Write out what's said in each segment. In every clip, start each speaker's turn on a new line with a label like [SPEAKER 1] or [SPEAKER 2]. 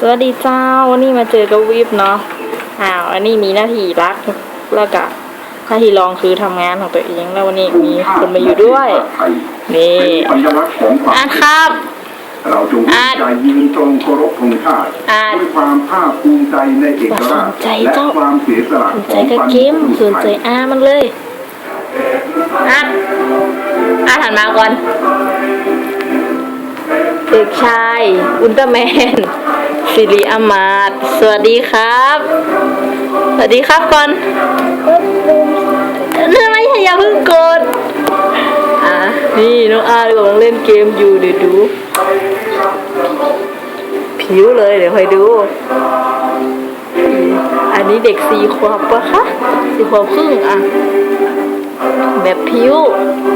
[SPEAKER 1] วัสดีเจ้าวันนี้มาเจอกับวิบเนาะอันนี้มีหน้าที่รักแล้วก็หน้าที่รองคือทำงานของตัวเองแล้ววันนี้มีคนมาอยู่ด้วยนี่ครับ
[SPEAKER 2] เราจงใจยืนตรงเคารพธงชาติด้วยความภาคภูมิใจในเอกราชและความเสียสละของ
[SPEAKER 1] สนใจกับเกมสนใจมันเลยหันมาก่อนเด็กชายอุลตร้าแมนสิริอมาตย์สวัสดีครับสวัสดีครับก่อนนั่นไม่ใช่อย่าเพิ่งกดนี่น้องกำลังเล่นเกมอยู่เดี๋ยวดูผิวเลยเดี๋ยวคอยดูอันนี้เด็ก4 ขวบปะคะ4 ขวบครึ่งแบบผิว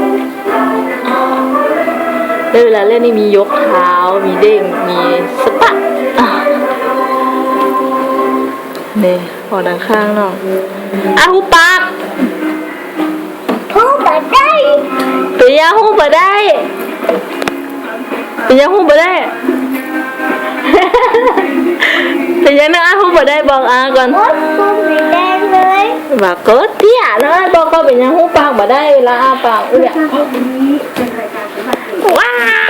[SPEAKER 1] ได้เวลาเล่นนี่มียกเท้ามีเด้งมีสปะนี่พอด้านข้างเนาะหูปาก
[SPEAKER 3] หูบ่ได้
[SPEAKER 1] เป็นยังหูบ่ได้เป็นยังหูบ่ได้เป็นยังนะหูบ่ได้บอกก่อน
[SPEAKER 3] หูสีแดงเลย
[SPEAKER 1] บอกก็เตี้ยนะบอกก็เป็นยังหูปากบ่ได้เวลาปากเนี่ยว้า